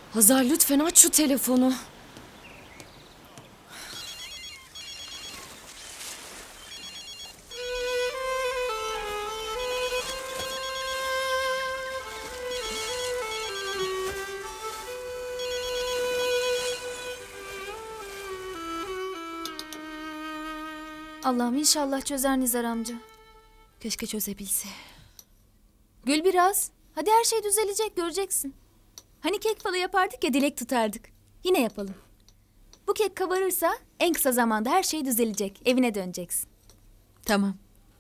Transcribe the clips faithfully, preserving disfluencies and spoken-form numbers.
Hazar lütfen aç şu telefonu. Allah'ım inşallah çözer Nizar amca. Keşke çözebilse. Gül biraz. Hadi her şey düzelecek, göreceksin. Hani kek falı yapardık ya, dilek tutardık. Yine yapalım. Bu kek kabarırsa en kısa zamanda her şey düzelecek. Evine döneceksin. Tamam.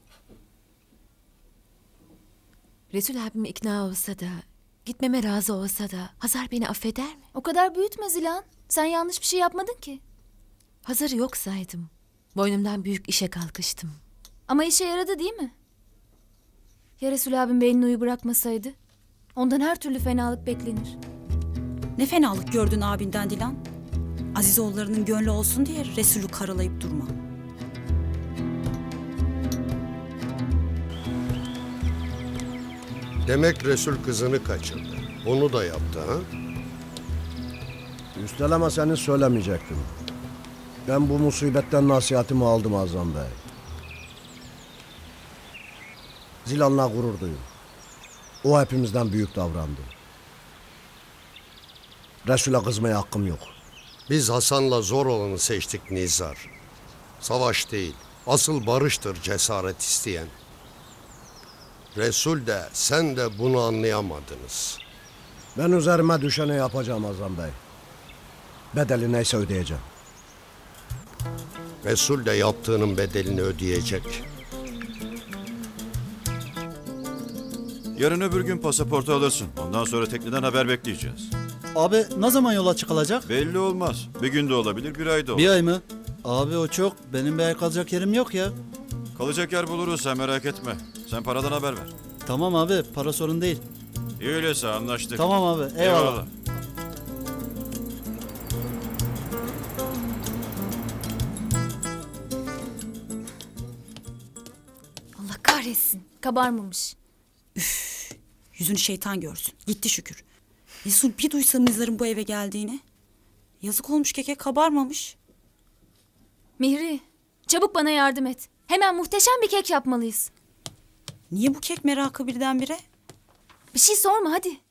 Resul abim ikna olsa da, gitmeme razı olsa da Hazar beni affeder mi? O kadar büyütme Zilan. Sen yanlış bir şey yapmadın ki. Hazar'ı yok saydım. Boynumdan büyük işe kalkıştım. Ama işe yaradı değil mi? Ya Resul abim belini uyu bırakmasaydı? Ondan her türlü fenalık beklenir. Ne fenalık gördün abinden Dilan. Azizoğullarının gönlü olsun diye Resulü karalayıp durma. Demek Resul kızını kaçırdı. Onu da yaptı ha? Üstelemeseniz söylemeyecektim. Ben bu musibetten nasihatimi aldım Azam Bey. Zilan'la gurur duyun. O hepimizden büyük davrandı. Resul'e kızmaya hakkım yok. Biz Hasan'la zor olanı seçtik Nizar. Savaş değil, asıl barıştır cesaret isteyen. Resul de sen de bunu anlayamadınız. Ben üzerime düşeni yapacağım Azam Bey. Bedeli neyse ödeyeceğim. Resul de yaptığının bedelini ödeyecek. Yarın öbür gün pasaportu alırsın. Ondan sonra tekneden haber bekleyeceğiz. Abi ne zaman yola çıkılacak? Belli olmaz. Bir gün de olabilir, bir ay da olur. Bir ay mı? Abi o çok. Benim bir ay kalacak yerim yok ya. Kalacak yer buluruz, sen merak etme. Sen paradan haber ver. Tamam abi, para sorun değil. İyi öyleyse, anlaştık. Tamam abi, eyvallah. Allah kahretsin. Kabarmamış. Yüzünü şeytan görsün. Gitti şükür. Resul bir duysa Nizar'ın bu eve geldiğini. Yazık olmuş, keke kabarmamış. Mihri, çabuk bana yardım et. Hemen muhteşem bir kek yapmalıyız. Niye bu kek merakı birdenbire? Bir şey sorma hadi.